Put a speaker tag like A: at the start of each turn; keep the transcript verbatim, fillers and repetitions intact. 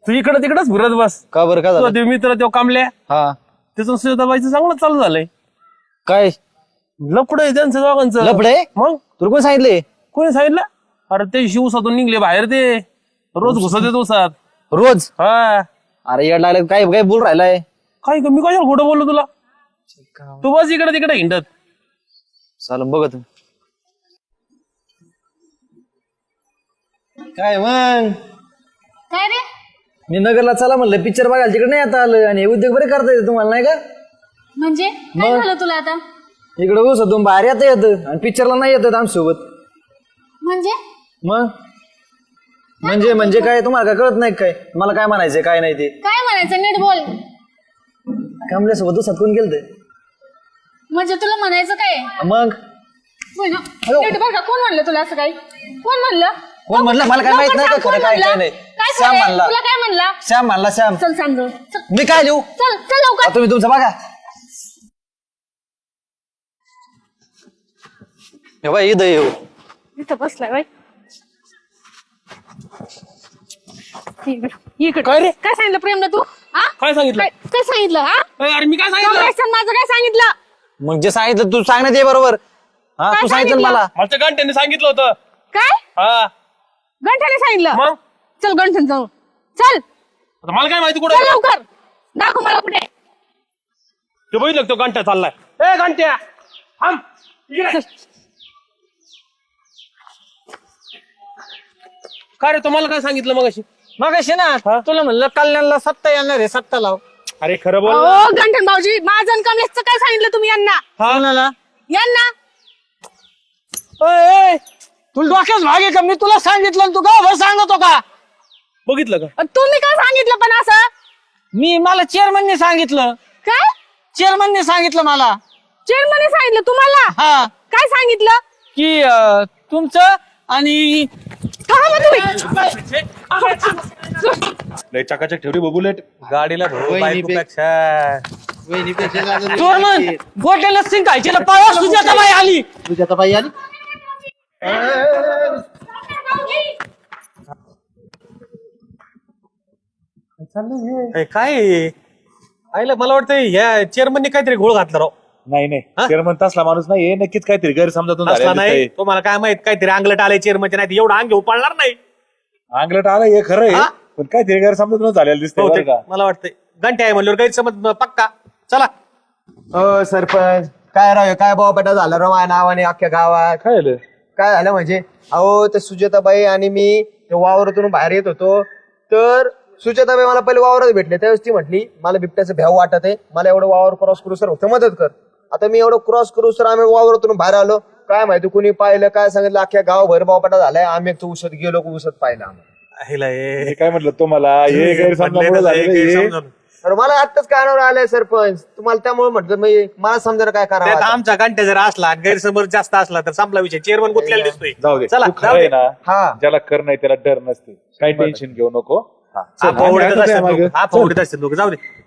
A: तू इकडे तिकडेच फिरत बस.
B: का बरं का झालं?
A: ते मित्र तो कामल्या
B: हा
A: त्याचं सुजाताबाईचं चांगलं चालू झालंय.
B: काय
A: लपड आहे त्यांचं दोघांचं.
B: लफडे?
A: मग
B: तुला कोण सांगितले?
A: कोणी सांगितलं? अरे ते शिवसातून निघले बाहेर ते रोज घुसत येत उसात.
B: रोज?
A: हा
B: अरे येड लागले काय काय बोल राहिलाय?
A: काय ग, मी कशाला खोटं बोललो तुला? तू बस इकडे तिकडे हिंडत.
B: चाल बघत काय मग.
C: काय रे?
B: मी नगरला चला म्हणलं पिक्चर बघायला, तिकडे नाही आता आलं. आणि हे उद्योग बरे करता येते तुम्हाला नाही का?
C: म्हणजे काय झालं तुला आता?
B: इकडे ऊस तुम्ही बाहेर येता येतं आणि पिक्चरला नाही येतात आमच्यासोबत.
C: म्हणजे
B: मग म्हणजे म्हणजे काय तुम्हाला काय कळत नाही काय मला काय म्हणायचंय काय नाही ते?
C: काय म्हणायचं नीट बोल.
B: कमल्यासोबत दुसऱ्यात कोण गेलं?
C: म्हणजे तुला म्हणायचं काय?
B: मग
C: होय ना? नीट बघा, कोण म्हणलं तुला असं काय? कोण म्हणलं?
B: कोण म्हणलं? मला काय माहित नाही का खरं काय काय नाही.
C: काय
B: श्याम
C: खरंय?
B: म्हणला.
C: तुला काय म्हणला?
B: श्याम म्हणला. श्याम.
C: चल सांग गं. चल
B: मी काय लिहू?
C: चल चल लवकर.
B: तुम्ही तुमचं बघा. हे बाई इथं येऊ.
C: इथं बसलाय बाई. इकडे
A: काय रे?
C: काय सांगितलं प्रेमला तू? हा?
A: काय सांगितलं?
C: काय काय सांगितलं? हा?
A: अरे अरे मी काय सांगितलं?
C: कॉंग्रेसन माझं काय सांगितलं?
B: मग जे सांगितलं तू सांगण्यात ये बरोबर. हा
C: काय
B: तू सांगितलं
C: सांगितलं?
B: मला.
A: मला घंट्याने सांगितलं होतं.
C: काय
A: हा
C: गंठ्याने सांगितलं?
A: मग
C: चल गंठन जाऊ. चल
A: आता मला काय माहिती
C: चल
A: कुठे
C: लवकर. दाखव मला कुठे.
A: ते बघितलं तो घंटा चाललाय. ए घंट्या थांब इकडे. काय रे तुम्हाला काय सांगितलं मग अशी?
B: मग अशी ना तुला म्हणलं कल्याणला सत्ता येणार आहे, सत्ता लाव.
A: अरे खरं बोल.
C: ओ गंठन भाऊजी, माझं आणि कमलेशचं काय सांगितलं तुम्ही यांना?
B: कोणाला?
C: यांना
B: ओय, तुला डोक्यात भाग आहे का? मी तुला सांगितलं तू का सांगतो का?
A: बघितलं का?
C: तुम्ही काय सांगितलं पण असं?
B: मी मला चेअरमनने सांगितलं.
C: काय
B: चेअरमनने सांगितलं मला.
C: चेअरमनने सांगितलं तुम्हाला?
B: हा
C: काय सांगितलं?
B: की अं, तुमचं आणि
C: थांबा तुम्ही.
A: लय चकाचक ठेवली बबुलेट गाडीला बायकोपेक्षा.
B: चोरमन गोट्याला सिंग खायचे पाया सुजाताबाई आली.
D: सुजाताबाई आली.
A: ए, काय आहे? आईला मला वाटतं ह्या चेअरमनने काहीतरी घोळ घातला राव.
E: नाही नाही चेअरमन तसला माणूस नाही, नक्कीच काहीतरी गैरसमजातून
A: असला
E: झालेलं
A: नाही
E: दिसतंय.
A: तुम्हाला काय माहित काहीतरी अंगलट आलंय चेअरमनच्या, नाही एवढं अंग घेऊ पाळणार नाही.
E: अंगलट आलं हे खरं आहे,
A: हा?
E: पण काहीतरी गैरसमजातून झालेलं दिसतंय बरं
A: बहुतेक
E: का.
A: मला वाटतंय घंटे आहे म्हणल्यावर गैरसमज पक्का. चला
D: अ सरपंच काय राव हे काय बाबा झालं राव माझ्या नावाने अख्ख्या गावात.
E: काय झालं?
D: काय झालं म्हणजे अहो ते सुजाताबाई आणि मी ते वावरातून बाहेर येत होतो, तर सुजाताबाई मला पहिले वावरात भेटले. त्यावेळेस ती म्हटली मला बिबट्याचं भ्याव वाटत आहे, मला एवढं वावर क्रॉस करू सर होतं मदत कर. आता मी एवढं क्रॉस करू सर आम्ही वावरातून बाहेर आलो, काय माहिती कुणी पाहिलं काय सांगितलं अख्ख्या गावभर बावपाटा झालाय. आम्ही एक उसत गेलो उसत पाहिलं आम्हाला.
A: हिला हे-
E: हे काय म्हटलं तुम्हाला हे गैरसमजामुळे
A: म्हणले ना,
E: झालेलं
A: हे
E: हे.
A: गैरसमज.
D: तर मला आत्ताच कानावर आलंय सरपंच, तुम्हाला त्यामुळे म्हटलं मी मला समजायला काय
A: त्यात
D: करावं.
A: आमचा घंटा जर असला गैरसमज जास्त असला तर संपला विषय. चेअरमन गुतलेला दिसतोय.
E: जाऊ दे
A: चला
E: तू खरं
A: जाऊ
E: आहे
A: दे.
E: ना,
D: हा
E: ज्याला कर नाही त्याला डर नसते. काही टेन्शन घेऊ नको.
A: हा
E: चल, आम्ही
A: फावडत
E: आता
A: असतात
E: मागं.
A: लोक. हा फावडत असतात लोक. जाऊ दे.